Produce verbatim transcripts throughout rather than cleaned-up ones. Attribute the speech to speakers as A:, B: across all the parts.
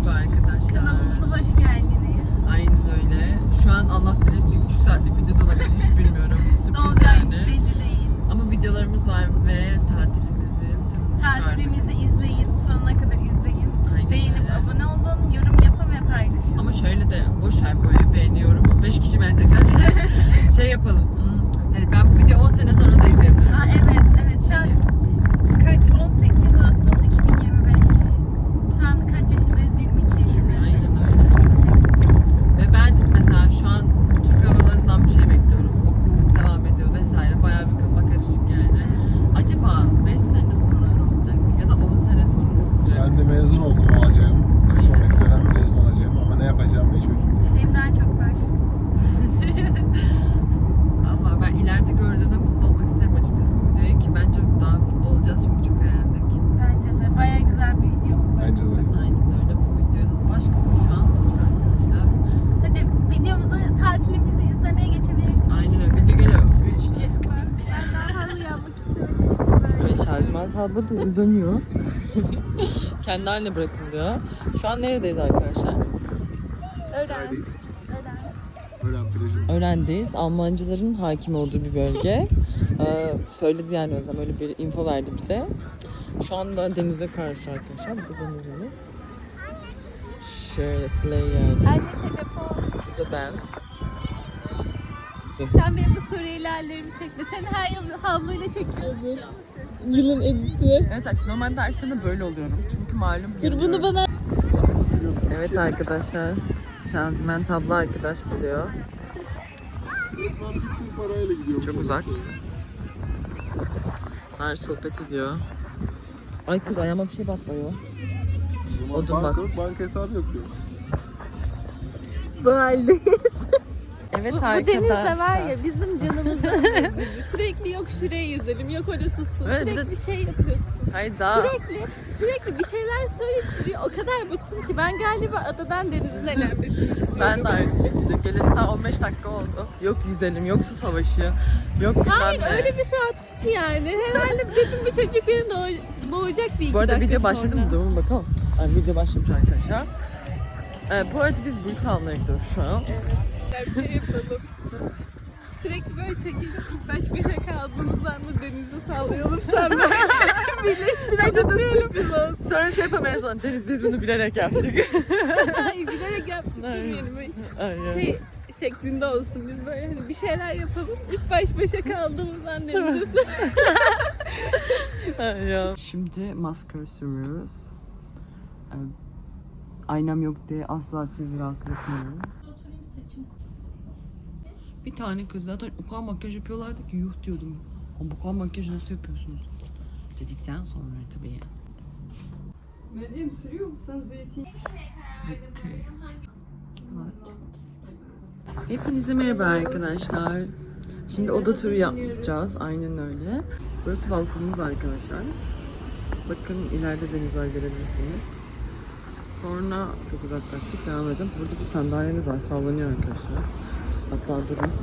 A: Merhaba arkadaşlar.
B: Kanalımıza hoş geldiniz.
A: Aynen öyle. Şu an Allah bilir bir buçuk saatlik video da olabilir, hiç bilmiyorum.
B: Ne
A: Sürpriz
B: olacağı hiç
A: yani.
B: belli değil.
A: Ama videolarımız var ve tatilimizin tadını çıkardık.
B: Tatilimizi izleyin, sonuna kadar izleyin.
A: Aynen
B: Beğenip
A: öyle.
B: abone olun, yorum yapın ve paylaşın.
A: Ama şöyle de boş ver böyle beğeniyorum. beş kişi beğenecek zaten. Şey yapalım. Hmm, hani ben bu videoyu on sene sonra da izleyebilirim.
B: Aa, evet, evet. Şu an kaç? on sekiz Ağustos iki bin yirmi beş. Şu an kaç yaşındayız? yirmi iki yaşındayız.
A: Aynen öyle. Ve ben mesela şu an Türk havalarından bir şey bekliyorum. Okulum devam ediyor vesaire. Bayağı bir kafa karışık yani. Acaba beş sene sonra ne olacak ya da on sene sonra ne olacak?
C: Ben de mezun oldum olacağım. Sonraki dönem mezun olacağım ama ne yapacağımı hiç bilmiyorum.
B: Benim daha çok var.
A: Allah ben ileride gördüğümde mutlu olmak isterim açıkçası bu videoyu ki bence daha mutlu olacağız çünkü çok eğlendik.
B: Bence de bayağı güzel bir video.
C: Bence de.
A: Aynen öyle. Bu videonun baş kısmı şu an budur arkadaşlar.
B: Hadi videomuzu, tatilimizi izlemeye geçebilirsiniz.
A: Aynen öyle. Video geliyor. üç, iki.
B: Ben daha halı yapmak istemediğim için böyle.
A: Ve şarjman tablo dönüyor. Kendi haline bırakın diyor. Şu an neredeyiz arkadaşlar?
B: Öğren.
C: Öğren plajı.
A: Öğrendeyiz. Almancıların hakim olduğu bir bölge. Ee, söyledi yani Özlem öyle bir info verdi bize. Şu anda denize karşı arkadaşlar. Bu da denizimiz. Şöyle slay yani.
B: Anne telefon.
A: Bu da ben.
B: Sen benim bu Suriyeli hallerimi çekme. Seni her yıl havluyla çekiyordun.
A: Yılın editi. Evet artık normalde her sene böyle oluyorum. Çünkü malum
B: Dur bunu bana...
A: Evet arkadaşlar. Şanzıman tablo arkadaş buluyor.
C: Resmen bittiğim parayla gidiyorum.
A: Çok uzak. Her sohbet ediyor. Ay kız ayağıma bir şey batlıyor. Odun
C: Banka,
A: bat.
C: banka hesabı yok diyor.
B: Bu haldeyiz.
A: Evet
B: Bu, bu
A: arkadaşlar.
B: denizde var ya bizim canımızı sürekli yok şuraya yüzelim, yok orası su.
A: Evet, bir
B: Sürekli
A: de-
B: şey yapıyorsun.
A: Hayır daha.
B: Sürekli, sürekli bir şeyler söyleyip duruyor. O kadar bıktım ki ben galiba adadan denizin elenmesini istiyorum.
A: Ben de aynı şekilde. Geleli daha on beş dakika oldu. Yok yüzelim, yok su savaşı, yok bilmem
B: Hayır
A: ne.
B: öyle bir şey attı ki yani. Herhalde dedim bu çocuk beni doğ- boğacak bir iki
A: Bu arada
B: dakika
A: video başladı
B: sonra.
A: mı? Durun bakalım. Yani video başlamış arkadaşlar. Ee, bu arada biz Brüt almaya gidiyoruz şu an.
B: Bir şey yapalım. Sürekli böyle çekildik. İlk baş başa kaldığımız anda denize sallayalım sen ben. Birleştirelim de sürpriz olsun.
A: Sonra şey yapamayız sonra. Deniz biz bunu bilerek yaptık.
B: Hayır bilerek yaptık demeyelim.
A: Aynen.
B: Şey şeklinde olsun biz böyle hani bir şeyler yapalım. İlk baş başa kaldığımız an denize
A: Aynen. Şimdi maskara sürüyoruz. Ee, aynam yok diye asla sizi rahatsız etmiyorum. Bir tane kız zaten o kadar makyaj yapıyorlardı ki yuh diyordum. Ama bu kadar makyajı nasıl yapıyorsunuz? Dedikten sonra tabii.
B: Meryem sürüyor musun zeytin?
A: Bitti. Hepinize merhaba arkadaşlar. Şimdi oda turu yapacağız. Aynen öyle. Burası balkonumuz arkadaşlar. Bakın ileride deniz var görebilirsiniz. Sonra çok uzaklaştık. Devam edelim. Burada bir sandalyemiz var. Sallanıyor arkadaşlar. Hatta durun.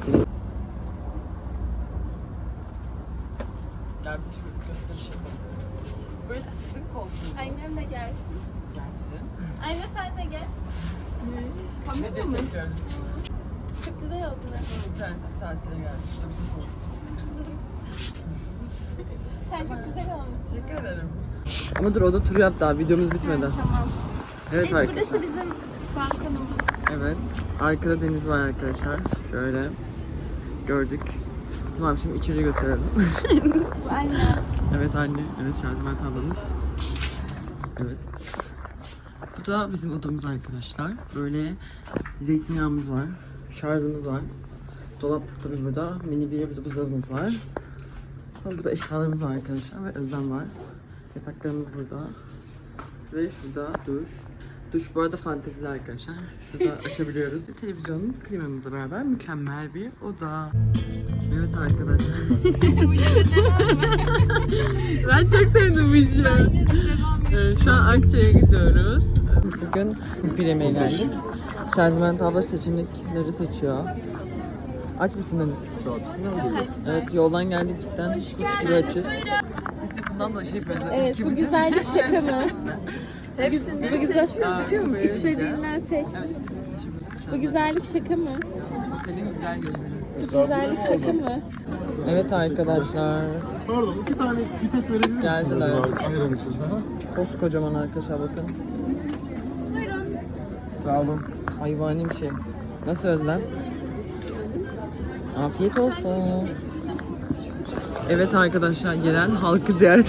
A: Gel bir tür gösteriş yapalım. Burası bizim koltuğumuz.
B: Annem de gelsin.
A: Gelsin.
B: Anne sen de gel.
A: Ne diye çekiyoruz?
B: Çok güzel oldu.
A: Prenses tatile geldi. İşte bizim koltuğumuz.
B: Sen çok güzel olmuşsun.
A: Teşekkür ederim. Ama dur oda turu yap daha videomuz bitmedi.
B: Tamam.
A: Evet arkadaşlar.
B: Burası bizim balkonumuz.
A: Evet. Arkada deniz var arkadaşlar. Şöyle gördük. Tamam şimdi içeri götürelim.
B: Bu anne.
A: Evet anne. Evet şarjman tablomuz. Evet. Bu da bizim odamız arkadaşlar. Böyle zeytinyağımız var. Şarjımız var. Dolap tabii burada. Mini bir burada buzdolabımız var. Sonra burada eşyalarımız var arkadaşlar ve Özlem var. Yataklarımız burada. Ve şurada duş. Duş bu arada fantezili arkadaşlar. Şurada açabiliyoruz. Televizyon klimamızla beraber mükemmel bir oda. Evet arkadaşlar. Ben çok sevdim bu işi. Evet, şu an Akça'ya gidiyoruz. Bugün Bileme'ye geldik. Şarjman tablo seçenekleri seçiyor. Aç mısın Deniz?
C: Çok.
A: Evet yoldan geldik cidden. Kut gibi açız. Biz de bundan da şey yapıyoruz.
B: Evet bu güzellik şaka mı? Hepsini
A: Bu güzel şey biliyor muyuz?
B: İstediğinden seç.
A: Evet, istediğinizi seçebiliyorsun şu
B: Bu
A: anda.
B: güzellik şaka mı?
A: Senin güzel gözlerin.
B: Bu güzellik şaka mı?
A: Evet arkadaşlar.
C: Pardon iki tane pipet verebilir misiniz?
A: Geldiler.
C: acaba ayran için? Hı hı.
A: Koskocaman arkadaşlar bakın.
C: Sağ olun.
A: Hayvani bir şey. Nasıl Özlem? Afiyet olsun. Evet arkadaşlar, gelen halkı ziyaret.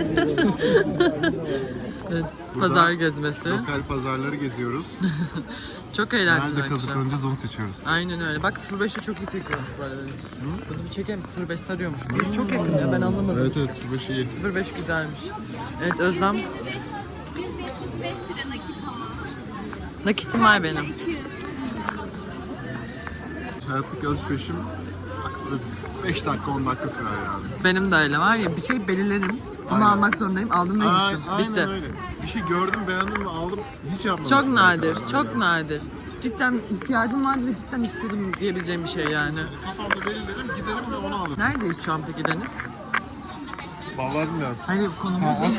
A: Evet, pazar gezmesi.
C: Lokal pazarları geziyoruz.
A: Çok eğlenceli
C: Nerede
A: arkadaşlar.
C: kazıklanacağız onu seçiyoruz.
A: Aynen öyle. Bak sıfır beşte çok iyi çekiyormuş bu arada. Bunu bir çekelim. sıfır beş sarıyormuş. Bir çok yakın ya, ben anlamadım.
C: Evet evet bu şey.
A: sıfır beş güzelmiş. Evet Özlem.
B: yüz yetmiş beş lira nakit ama.
A: Nakitim var benim.
B: iki yüz.
C: Hayattaki alışverişim maksimum beş dakika on dakika sürer yani.
A: Benim de öyle var ya, bir şey belirlerim. Onu
C: Aynen.
A: almak zorundayım. Aldım ve
C: Ay-
A: gittim.
C: Aynen
A: Bitti.
C: öyle. Bir şey gördüm beğendim ve aldım hiç yapmadım.
A: Çok nadir, çok nadir. Cidden ihtiyacım vardı ve cidden istedim diyebileceğim bir şey yani.
C: Kafamda belirlerim giderim ve onu alırım.
A: Neredeyiz şu an peki Deniz?
C: Vallahi bilmiyorum.
A: Hayır konumuz değil.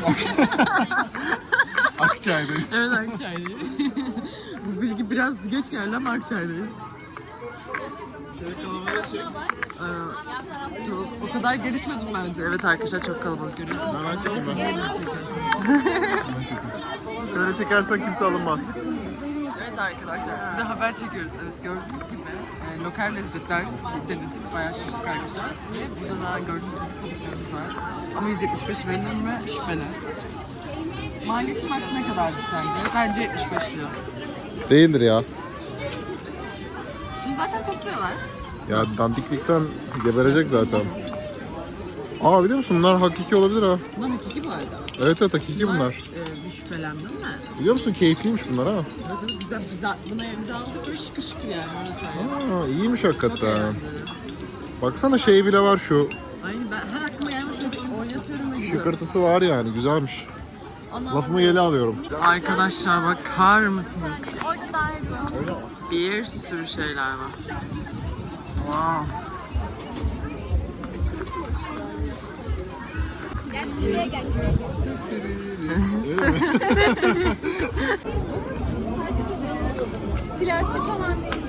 C: Akçay'dayız.
A: Evet Akçay'dayız. Bu bilgi biraz geç geldi ama Akçay'dayız.
C: Şöyle kalabalığı çek.
A: Ee, çok, o kadar gelişmedim bence. Evet arkadaşlar çok kalabalık görüyorsunuz.
C: Hemen çekeyim ben.
A: Çekiyorsun.
C: Hemen çekeyim. Şöyle çekersen kimse alınmaz.
A: Evet arkadaşlar, bir de haber çekiyoruz. Evet gördüğünüz gibi e, lokal lezzetler denedik, bayağı şaşırdık arkadaşlar. Ve burada da gördüğünüz gibi konuklarımız var. Ama yüz yetmiş beş verilir mi? Şüpheli. Maliyeti maks ne kadardı sence? Bence yetmiş beş lira.
C: Değildir ya.
A: Şunu zaten topluyorlar.
C: Ya dandiklikten geberecek zaten. Aa biliyor musun bunlar hakiki olabilir ha.
A: Bunlar hakiki bu arada.
C: Evet evet hakiki bunlar.
A: E, bir şüphelendim de.
C: Biliyor musun keyifliymiş bunlar ha.
A: Evet evet güzel, güzel. Buna evde aldık böyle şıkır şıkır yani. Öyle söyleyeyim.
C: Aa iyiymiş
A: Çok
C: hakikaten.
A: eğlenceli.
C: Baksana şey bile var şu.
A: Aynı ben her aklıma gelmiş şöyle bir oynatıyorum ve gidiyorum.
C: Şıkırtısı var yani güzelmiş.
A: Ana-
C: Lafımı geri alıyorum.
A: Arkadaşlar bakar mısınız?
B: Orada daha iyi.
A: Bir sürü şeyler var. Wow.
B: Şuraya gel. Plastik falan değil.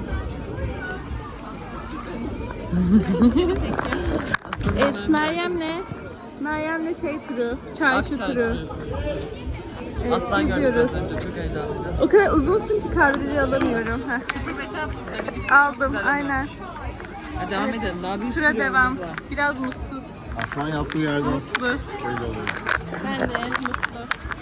B: Evet Meryem'le Meryem'le şey turu, çarşı
A: Akçay
B: turu.
A: turu.
B: Evet,
A: Aslan gördük
B: gidiyoruz.
A: az önce, çok heyecanlıydı.
B: O kadar uzunsun ki kadrajı alamıyorum. Heh.
A: sıfır beşe denedik.
B: Aldım, aynen.
A: Hadi devam edelim. Daha bir
B: Tura
A: sürü
B: devam.
A: yolumuz var.
B: Biraz mutsuz.
C: Aslan yaptığı yerden
B: Mutlu.
C: böyle oluyor.
B: Ben de mutlu.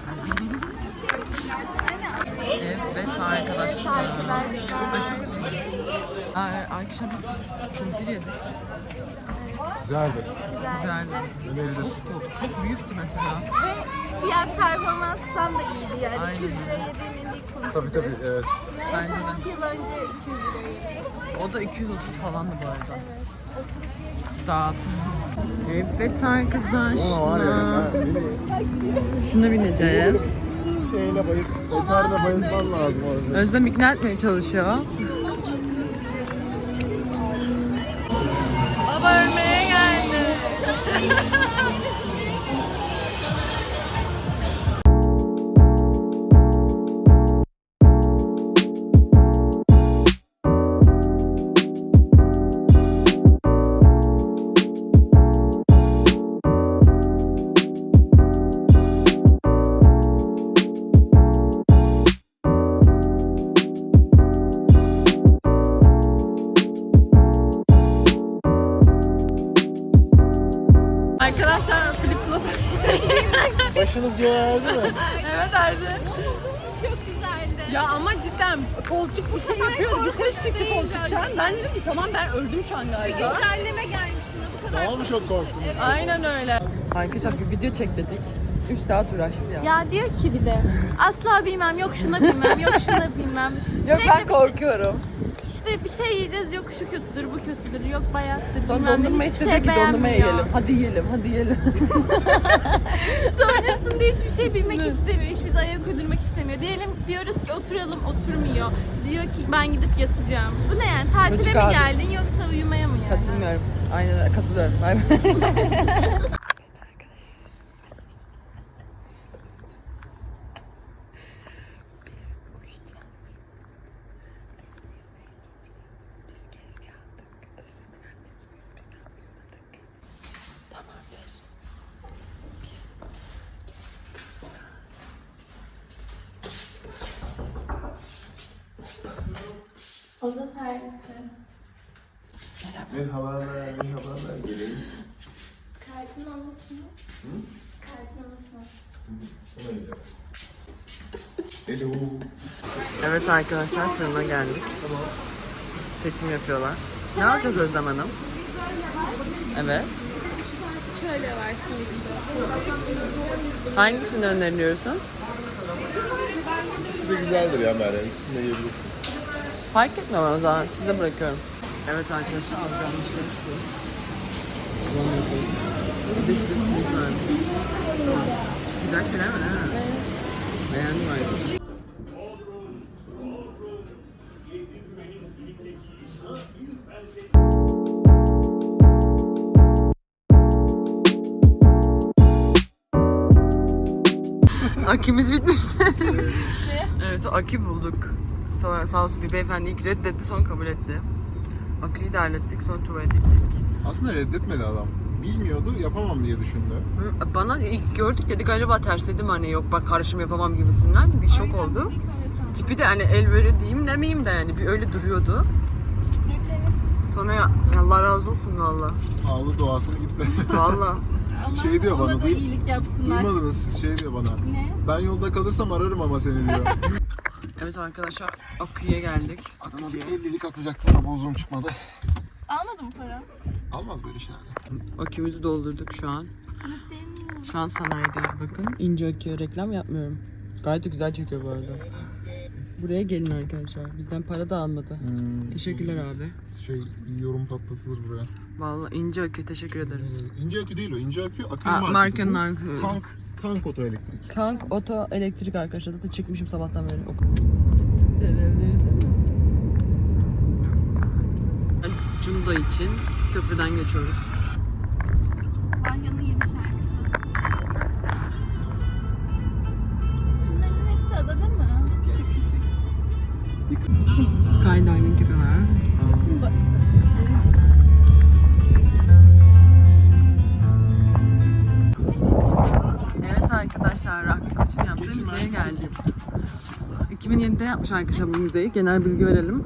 A: Evet arkadaşlar. Ben çok üzüldüm. Aa, Arkadaşlar biz kumpir yedik.
C: Güzeldi.
A: Güzeldi.
C: Önerilir.
A: Çok, çok büyüktü mesela.
B: Ve fiyat performanstan da iyiydi yani.
A: Aynen.
B: iki yüz liraya yediğim en iyi kumpir.
C: Tabii tabii evet.
A: Bence de.
B: iki yıl önce iki yüz liraydı.
A: O da iki yüz otuz falandı bu arada. Dağıt. Evet arkadaşlar.
C: Ama var ya ben
A: Şuna bineceğiz.
C: şeyle bayılt, gitarla bayıltman lazım orada.
A: Özlem ikna etmeye çalışıyor. Baba ölmeye geldi. Arkadaşlar flip flop.
C: Başınız göğerdi mi?
A: Evet Erdi.
B: Çok güzeldi.
A: Ya ama cidden koltuk bir şey yapıyordu. Bir ses çıktı koltuktan. Ben dedim ki tamam ben öldüm şu an galiba.
B: Güncelleme gelmiş buna bu kadar.
C: Daha mı çok korktun?
A: Aynen öyle. Arkadaşlar bir video çek dedik. üç saat uğraştı ya.
B: Ya diyor ki bir de asla bilmem, yok şuna bilmem, yok şuna bilmem.
A: Yok
B: Sürekli
A: ben
B: bir şey-
A: korkuyorum.
B: İşte bir şey yiyeceğiz, yok şu kötüdür, bu kötüdür, yok bayattır,
A: Sonra
B: bilmem ne,
A: dondurma
B: hiçbir
A: istedi
B: şey
A: ki dondurmaya
B: beğenmiyor.
A: yiyelim. Hadi yiyelim, hadi yiyelim.
B: Sonrasında hiçbir şey bilmek istemiyor, hiç bize ayak uydurmak istemiyor. Diyelim diyoruz ki oturalım, oturmuyor. Diyor ki ben gidip yatacağım. Bu ne yani, tatile
A: Çocuk
B: mi
A: abi.
B: geldin yoksa uyumaya mı yani?
A: Katılmıyorum. Aynen öyle, katılıyorum. Bay bay.
B: Oda servisi.
C: Merhabalar, merhabalar. Gelin.
B: Kartını unutma. Hı? Kartını unutma.
C: Hello.
A: Evet arkadaşlar fırına geldik. Seçim yapıyorlar. Ne alacağız Özlem Hanım? Evet.
B: Şöyle var simit.
A: Hangisini öneriyorsun?
C: İkisi de güzeldir ya Meryem. İkisini de yiyebilirsin.
A: Fark etmem o zaman size bırakıyorum. Evet arkadaşlar alacağımız şey şu. Bir de şurada simit varmış. Güzel şeyler var ha. Beğendim arkadaşlar. Akimiz bitmişti. Evet, sonra akü bulduk. Sonra sağ olsun bir beyefendi ilk reddetti, sonra kabul etti. Aküyü de hallettik, sonra tuvalete gittik.
C: Aslında reddetmedi adam. Bilmiyordu, yapamam diye düşündü.
A: Hı, Bana ilk gördük dedik acaba tersledim hani yok bak karışım yapamam gibisinden bir şok oldu. Tipi de hani el böyle diyeyim demeyeyim de yani bir öyle duruyordu. Sonra ya, Allah razı olsun valla.
C: Ağlı doğasını gitti.
A: Valla.
C: Şey diyor bana,
B: Ona da
C: duy-
B: iyilik yapsınlar.
C: Duymadınız siz, şey diyor bana.
B: Ne?
C: Ben yolda kalırsam ararım ama seni diyor.
A: Evet arkadaşlar aküye geldik.
C: Adama bir ellilik atacaktım ama uzun çıkmadı.
B: Almadın mı para?
C: Almaz böyle işlerde.
A: Akümüzü doldurduk şu an. Şu an sanayideyiz bakın. İnce aküye reklam yapmıyorum. Gayet de güzel çekiyor bu arada. Buraya gelin arkadaşlar. Bizden para da almadı.
C: Hmm,
A: Teşekkürler abi.
C: Şey, yorum patlatılır buraya.
A: Vallahi ince akü teşekkür ederiz.
C: Ee, İnce akü değil o, ince akü akü
A: Aa,
C: markası.
A: markanın
C: bu.
A: arkası.
C: Tank, tank oto elektrik.
A: Tank oto elektrik arkadaşlar. Zaten çıkmışım sabahtan beri. Cunda için köprüden geçiyoruz.
B: Vanya'nın yeni şarkısı. Bunların hepsi adada mı?
C: Yes.
A: Skydiving gibi var. Evet arkadaşlar, Rahmi Koç'un yaptığı
C: Geçin
A: müzeye
C: ben
A: geldik. iki bin yedide yapmış arkadaşlar bu müzeyi. Genel bilgi verelim.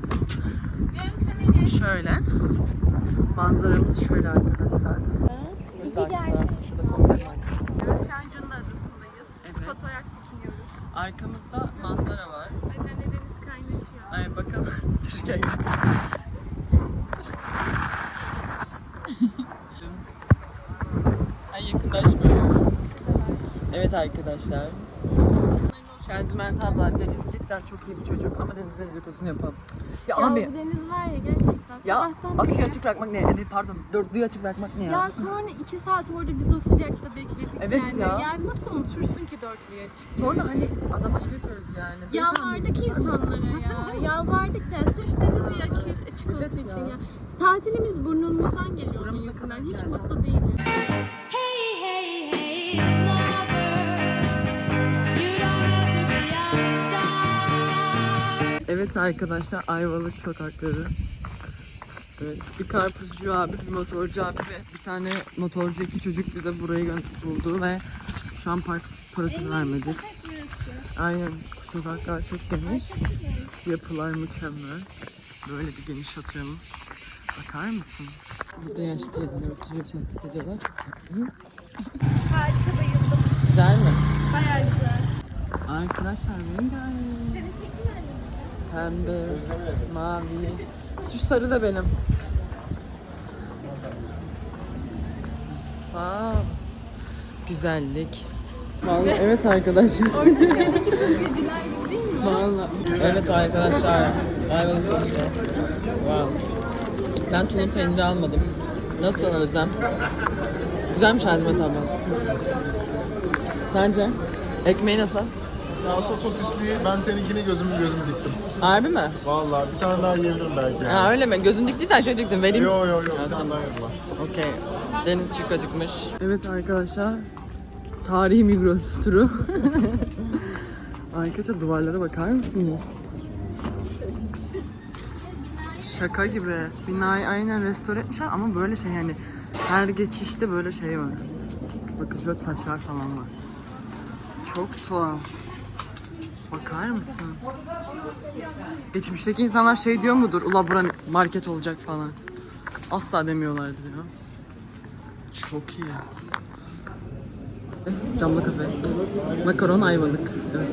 A: Şöyle. Manzaramız şöyle arkadaşlar. Burası arka taraf. Şurada komple var.
B: Şu an Cunda Adası'ndayız.
A: Evet.
B: Fotoğraf çekiniyoruz.
A: Arkamızda manzara var.
B: Annemle deniz kaynaşıyor.
A: Ay bakalım. Türkiye Ay yakınlaşmıyor. Evet arkadaşlar. Şenziment abla Deniz cidden çok iyi bir çocuk ama Deniz'in dedikodusunu yapalım. Ya,
B: Ya
A: abi
B: bu deniz var ya gerçekten
A: ya
B: sabahtan
A: aküyü
B: beri-
A: açık bırakmak ne? Yani pardon dörtlüyü açık bırakmak ne ya?
B: Ya sonra iki saat orada biz o sıcakta bekledik
A: Evet
B: yani.
A: ya.
B: Yani nasıl unutursun ki dörtlüye açık?
A: Sonra hani adama şey yapıyoruz yani.
B: Yalvardık insanlara ya. Yalvardık ya. Sırf deniz bir akü açık olduğu
A: Evet
B: için
A: ya.
B: ya. Tatilimiz burnumuzdan geliyor onun
A: Buramıza
B: yüzünden.
A: kadar
B: Hiç
A: geldi.
B: mutlu değiliz.
D: Hey, hey, hey, lover, you don't have to be a star.
A: Evet arkadaşlar Ayvalık sokakları. Evet, bir karpuzcu abi, bir motorcu abi ve bir tane motorcu iki çocuk bize burayı gö- buldu ve şu an park parası vermedik. Aynen sokaklar çok geniş. Yapılar mükemmel. Böyle bir geniş atıyorum. Bakar mısın? Burada yaşlı teyzeler oturuyor sohbet ediyorlar.
B: Harika bayıldım.
A: Güzel mi?
B: Bayağı güzel.
A: Arkadaşlar rengarenk.
B: Seni çekeyim mi?
A: Pembe, mavi. Şu sarı da benim. Wow. Güzellik. Vallahi evet arkadaşlar.
B: Geceler gibi değil mi?
A: Vallahi. Evet arkadaşlar. Ayvalık oldu. Wow. Ben tulum peyniri almadım. Nasıl Özlem? Güzelmiş Azmet abla. Sence? Ekmeği nasıl?
C: Pasta sosisli, ben seninkini gözüm gözüm diktim.
A: Harbi mi?
C: Vallahi bir tane daha yiyebilirim belki. Yani.
A: Ha öyle mi? Gözün diktiysen şöyle diktim. Vereyim.
C: Yo yo yo, bir
A: Ya,
C: tane
A: tamam.
C: daha yapılan.
A: Okey. Deniz çok acıkmış. Evet arkadaşlar. Tarihi Migros turu. Arkadaşlar duvarlara bakar mısınız? Şaka gibi. Binayı aynen restore etmişler ama böyle şey yani her geçişte böyle şey var. Bakın böyle taşlar falan var. Çok tuhaf. Bakar Bakar mısın? Geçmişteki insanlar şey diyor mudur? Ula bura market olacak falan. Asla demiyorlardı ya. Çok iyi. Camlı kafe. Makaron Ayvalık. Evet.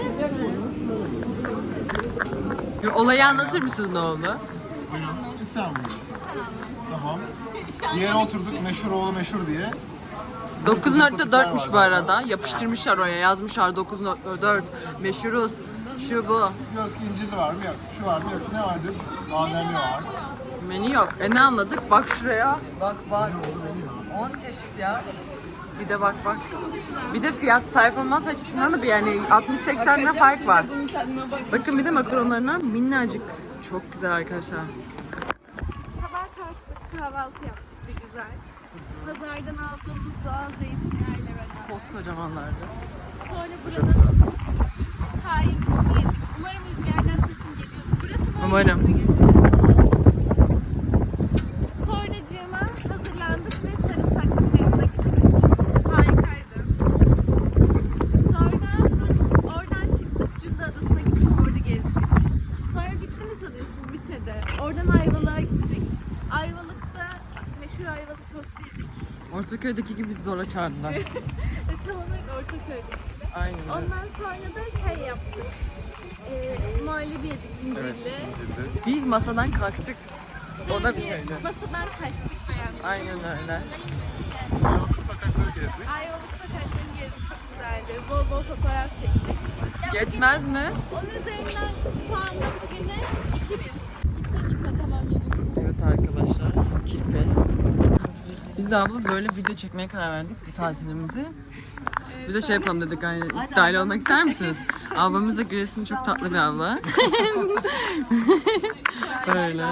A: Bir olayı anlatır mısınız ne oldu?
C: İstanbul. Tamam. Bir yere oturduk meşhur oğlu meşhur diye.
A: dokuz nokta dörtmüş bu arada. Yapıştırmışlar oraya. Yazmışlar dokuz nokta dört. Meşhuruz. Şu bu.
C: Diyoruz ki incirli var mı yok, şu var mı yok, ne vardı? Bademli var.
A: Menü yok. E ne anladık? Bak şuraya. Bak bak. on çeşit ya. Bir de bak bak. Bir de fiyat performans açısından da bir yani altmış seksen lira fark var.
B: Bunun tadına bak.
A: Bakın bir de makaronlarına minnacık. Çok güzel arkadaşlar.
B: Sabah kalktık, kahvaltı yaptık bir güzel. Pazardan aldığımız doğal zeytinyağıyla beraber.
A: Koskocamanlardı.
B: Sonra buranın tahinlisini yedik. Umarım rüzgardan sesim geliyordu. Burası böyle
A: Umarım.
B: işte geliyor. Sonracığıma hazırlandık ve sarımsaklı teyzine gittik. Harikaydı. Sonra oradan çıktık, Cunda Adası'na gittik, orada gezdik. Sonra bitti mi sanıyorsunuz? Bitmedi. Oradan Ayvalık'a gittik. Ayvalık'ta meşhur Ayvalık tostu yedik.
A: Ortaköy'deki gibi bizi zorla çağırdılar.
B: Ve tam olarak Ortaköy'de.
A: Aynen öyle.
B: Ondan sonra da şey yaptık. Ee, muhallebi yedik incirli.
C: incirli.
A: Bir masadan kalktık. O da
B: Bir
A: bir şeydi.
B: masadan kaçtık beğendik.
A: Aynen öyle.
C: Ayvalık sokakları gezdik.
B: Ayvalık sokaklarını gezdik, çok güzeldi. Bol bol fotoğraf çektik. Ya
A: Yetmez mi?
B: Onun üzerinden puanla bugüne iki bin. İki tamam yedim.
A: Evet arkadaşlar. Kirpe. Biz de abla böyle video çekmeye karar verdik bu tatilimizi. Biz de şey yapalım dedik hani dahil olmak ister misiniz? Ablamız da Güres'in çok tatlı bir abla. Böyle.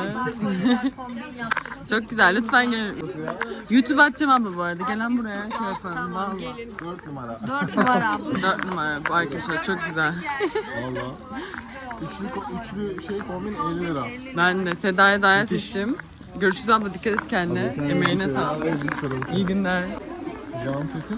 A: Çok güzel, lütfen gelin. YouTube atacağım abla bu arada. Gelen buraya şey yapalım. Vallahi.
C: Dört numara.
B: Dört numara.
A: Dört numara bu arkadaşlar, çok güzel.
C: Valla. Üçlü, ko- üçlü şey kombin elli lira.
A: Ben de Seda'ya Daya seçtim. Görüşürüz abla, dikkat et kendine. Emeğine sağlık. İyi günler.
C: Can setin.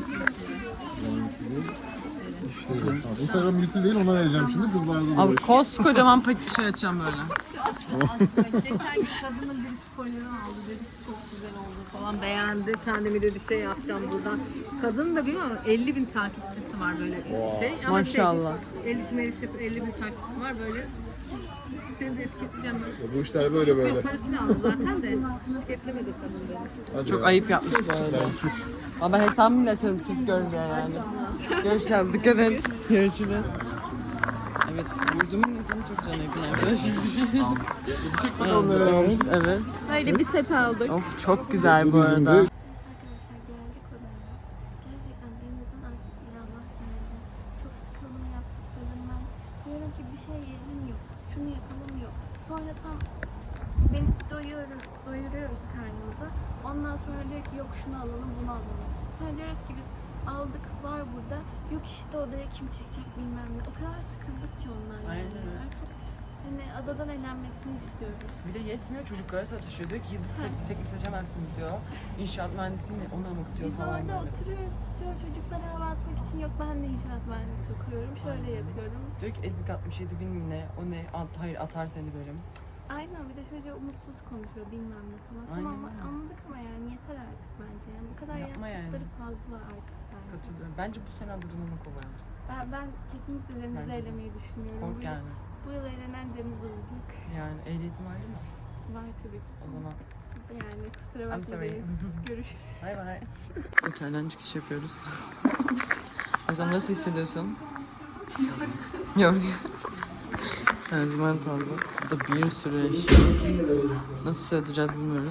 C: İşte evet. Tamam. Instagram yüklü değil, ona vereceğim şimdi. Kızlarda da
A: Abi
C: var.
A: koskocaman paket şey açacağım böyle.
B: Geçen gün kadının bir kolyerini aldı, dedi ki çok güzel oldu falan, beğendi. Kendimi dedi şey yapacağım buradan. Kadın da bilmiyorum elli bin takipçisi var böyle şey. Ama
A: Maşallah.
B: Şey, el işi mel işi elli bin takipçisi var böyle. Seni de etiketleyeceğim.
C: Ya bu işler böyle böyle.
B: Parasını aldı zaten de etiketlemedi kadın beni.
C: Hadi
A: Çok
C: ya.
A: ayıp yapmış bu arada. Ama ben hesabımı bile açarım sırf gör diye yani. Görüşürüz. Dikkat et. Görüşürüz. Evet, yüzümün insanı çok canı yakın arkadaşlar.
C: Bir çek bakalım neler
A: Evet,
C: yapmışız.
A: evet.
B: Böyle bir set aldık.
A: Of çok güzel bu arada.
B: Arkadaşlar geldik odaya. Gerçekten denizin artık ilallah geldi. Çok sıkıldım yaptıklarından. Diyorum ki bir şey yiyelim yok. Şunu yapalım yok. Sonra tam beni doyuyoruz, doyuruyoruz karnımıza. Ondan sonra diyor ki yok şunu alalım bunu alalım. Sonra diyoruz ki biz aldık var burada. Yok işte odaya kim çekecek bilmem ne. O kadar sıkıldık ki ondan yani.
A: Aynen.
B: Artık hani adadan eğlenmesini istiyoruz.
A: Bir de yetmiyor, çocuklara satışıyor. Diyor ki yıldız tek- teknik seçemezsiniz diyor. İnşaat mühendisliğini ona mı diyor
B: Biz
A: falan
B: orada
A: böyle.
B: oturuyoruz, tutuyor çocuklara hava atmak için. Yok ben de inşaat mühendisi okuyorum, şöyle yapıyorum.
A: Diyor ki ezik altmış yedi bin mi ne, o ne, At, hayır atar seni böyle.
B: Aynen, bir de şöyle umutsuz konuşuyor bilmem ne falan.
A: Aynen
B: Tamam
A: öyle.
B: anladık ama yani yeter artık bence. Yani bu kadar
A: Yapma
B: yaptıkları
A: yani.
B: fazla artık bence.
A: Katılıyorum. Bence bu sene adını onu kovalım.
B: Ben, ben kesinlikle Deniz'i
A: Bence de.
B: elemeyi düşünüyorum.
A: Kork
B: bu, yıl-
A: yani.
B: bu yıl elenen Deniz olacak.
A: Yani ehliyetim var değil mi?
B: Var tabii ki.
A: O zaman
B: Yani kusura
A: I'm
B: bakma
A: sorry.
B: Deniz. Görüşürüz.
A: bay bay. Otelden çıkış yapıyoruz. Hocam nasıl hissediyorsun? Yorgun. Sentiment aldı. Burada bir sürü eşya. Nasıl sığdıracağız bilmiyoruz.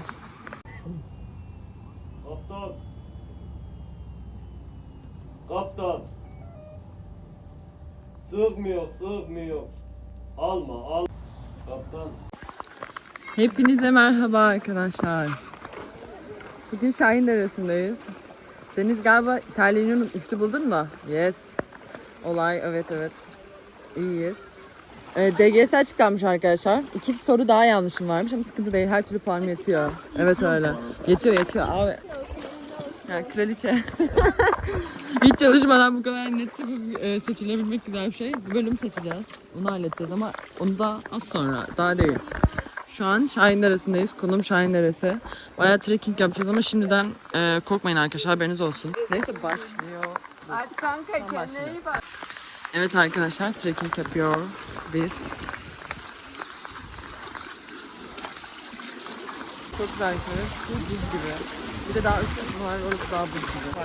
E: Kaptan. Kaptan. Sığmıyor, sığmıyor. Alma, al. Kaptan.
A: Hepinize merhaba arkadaşlar. Bugün Şahin Deresi'ndeyiz. Deniz galiba terliğini unutmuştu, buldun mu? Yes. Olay, evet evet. İyiyiz. Ee, D G S açıklanmış arkadaşlar. İki soru daha yanlışım varmış ama sıkıntı değil. Her türlü puan yetiyor. Evet öyle. Yetiyor yetiyor abi. Ya kraliçe. Hiç çalışmadan bu kadar net bir, e, seçilebilmek güzel bir şey. Bir bölüm seçeceğiz. Onu halledeceğiz ama onu da az sonra. Daha değil. Şu an Şahin Deresi'ndeyiz. Konum Şahin Deresi. Bayağı trekking yapacağız ama şimdiden e, korkmayın arkadaşlar, haberiniz olsun. Neyse başlıyor.
B: Hadi kanka kendine iyi bak.
A: Evet arkadaşlar, trekking yapıyor biz. Çok güzel yukarı. Su buz gibi. Bir de daha üst kısmı var. Orası daha buz gibi.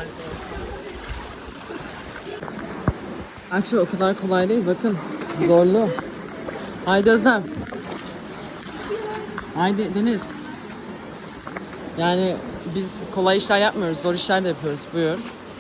A: Akşam o kadar kolay değil. Bakın. Zorlu. Haydi Özlem. Haydi Deniz. Yani biz kolay işler yapmıyoruz. Zor işler de yapıyoruz. Buyur.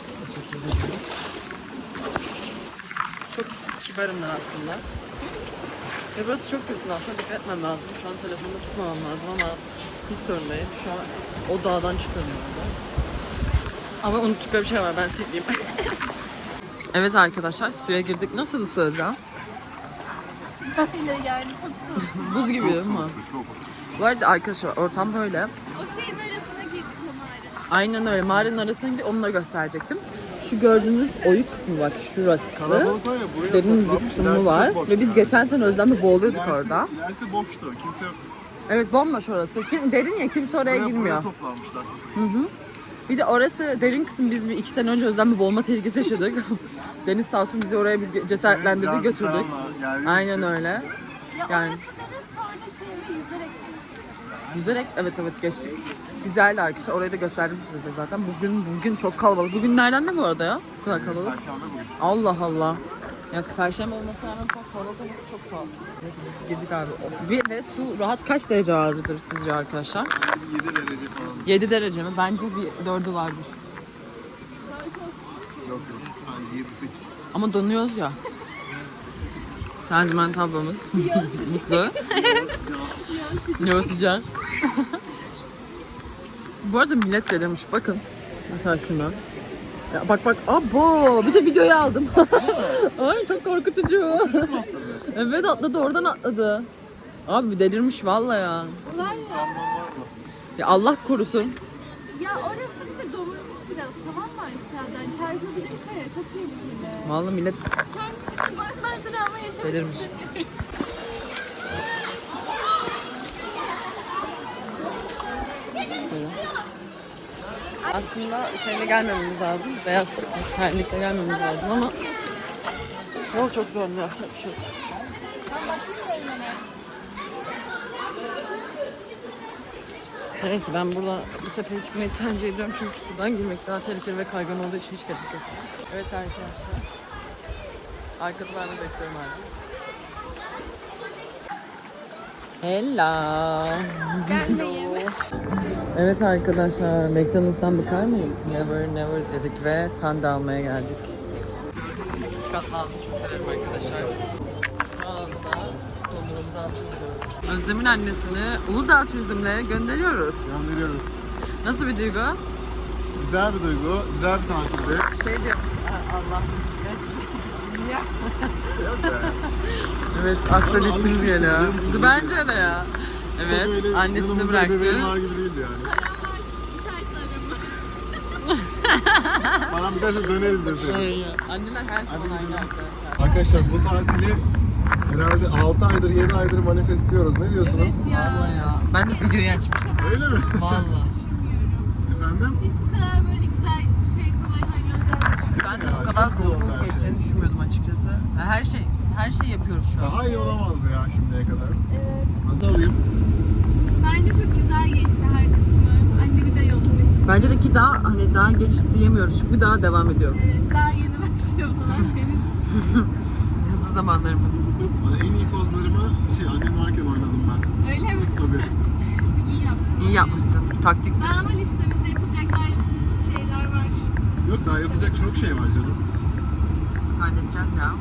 A: Çok kibarımlar aslında. Ve burası çok kötü aslında. Dikkat etmem lazım. Şu an telefonda tutmamam lazım ama hiç sorun değil. Şu an o dağdan çıkamıyorum orada. Ama unuttukları bir şey var. Ben sileyim. Evet arkadaşlar, suya girdik. Nasıl su Özlem?
B: Öyle yani çok
A: Buz gibi değil mi?
C: Çok.
A: Bu arada arkadaşlar ortam böyle.
B: O şeyin arasına girdik o mağara.
A: Aynen öyle. Mağaranın arasına gidip onunla gösterecektim. Şu gördüğünüz oyuk kısmı bak şurası.
C: Kalabalık var ya buraya
A: Derin bir
C: toplanmış.
A: kısmı
C: İlerisi
A: var.
C: çok boş
A: Ve biz
C: yani.
A: geçen sene Özlem'le boğuluyorduk
C: İlerisi-
A: orada.
C: İlerisi boştu. Kimse yok.
A: Evet, bomboş orası. Kim, derin ya, kimse oraya
C: Buraya,
A: girmiyor.
C: buraya toplanmışlar.
A: Hı hı. Bir de orası derin kısım, biz bir iki sene önce Özlem'le boğulma tehlikesi yaşadık. Deniz sağ olsun bizi oraya bir cesaretlendirdi,
C: Can
A: götürdük.
C: falanla geldiğimiz
A: Aynen
C: için
A: öyle.
B: Ya
A: Yani-
B: orası deriz sonra şeyle yüzerek geçtik.
A: Yüzerek, evet evet geçtik. Güzeldi arkadaşlar, orayı da gösterdim size de zaten. Bugün bugün çok kalabalık. Bugün nereden ne bu arada ya? Bu kadar kalabalık.
C: Perşembe bugün.
A: Allah Allah. Ya Perşembe olmasına rağmen çok kalabalık olması çok tuhaf. Neyse biz girdik abi. Bir ve su rahat kaç derece ağrıdır sizce arkadaşlar?
C: yedi derece falan.
A: yedi derece mi? Bence bir dördü vardır.
C: Yok yok. Bence yedi sekiz.
A: Ama donuyoruz ya. Şanzıman tablamız. Mutlu. Ne o sıcak. Bu arada millet delirmiş. Bakın. Mesela şuna. Ya bak bak. Abo. Bir de videoyu aldım. Ay çok korkutucu. Evet atladı, oradan atladı. Abi delirmiş vallahi ya.
B: Var ya.
A: Ya Allah korusun.
B: Ya orası bir de domurmuş biraz tamam mı aşağıdan? Çarpabilir kaya çok tehlikeli.
A: Vallahi millet
B: Kendisi bak ben travma yaşamak
A: delirmiş.
B: istemiyorum.
A: Aslında şeyle gelmememiz lazım. Beyaz terlikle gelmemiz lazım ama yol çok zor, ne yapacak bir şey yok. Neyse ben burada bu tepeye çıkmayı tercih ediyorum çünkü sudan girmek daha tehlikeli ve kaygan olduğu için hiç gerek yok. Evet arkadaşlar. Arkada ben de bekliyorum artık. Hello.
B: Gelmeyin.
A: Evet arkadaşlar, McDonald's'tan bakar mıyız? Never never dedik ve sandalye almaya geldik. Gördüğünüz gibi iki katlı aldım, çok severim arkadaşlar. Şu anda dondurmamızı alıyoruz. Özlem'in annesini Uludağ Turizm'le gönderiyoruz.
C: Gönderiyoruz.
A: Nasıl bir duygu?
C: Güzel bir duygu. Güzel bir tatilde.
A: Şey diyormuş, "Ha, Allah.
C: Yok be.
A: Evet,
C: Ama
A: astrolistimiz
C: alışmıştım,
A: geliyor.
C: biliyor musun?
A: Bence de ya. Evet,
C: Çok öyle
A: annesini
C: yanımızda
A: bıraktı.
C: ebeveyn var gibi değildi yani. Bana bir derse döneriz deseydi.
A: Aynen. Anneler her zaman
C: Hadi
A: aynı
C: gidelim.
A: arkadaşlar.
C: Arkadaşlar bu tatili herhalde altı aydır yedi aydır manifestliyoruz. Ne diyorsunuz?
A: Vallahi ya. Ben de videoyu açmıştım.
C: Öyle mi?
A: Vallahi.
C: Efendim?
B: Hiç bu kadar böyle güzel şey kolay hallolacağını
A: Ben de bu kadar dolu dolu geçeceğini düşünmüyordum açıkçası. Ya her şey, her şey yapıyoruz şu an.
C: Daha iyi olamazdı ya şimdiye kadar.
B: Evet.
C: Nasıl alayım?
B: Bence çok güzel geçti her kısmı. Annemi de yollamış.
A: Bence de ki daha hani daha geç diyemiyoruz çünkü daha devam ediyor.
B: Evet, daha yeni başlıyor falan benim.
A: Hızlı zamanlarımız.
C: Bana en iyi kozlarımı şey annem varken oynadım ben.
B: Öyle mi?
C: Tabii.
B: İyi yaptın.
A: İyi yapmışsın. Taktik.
B: Ben ama listemizde yapacaklar şeyler var.
C: Yok daha yapacak çok şey var canım.
A: Halledeceğiz ya.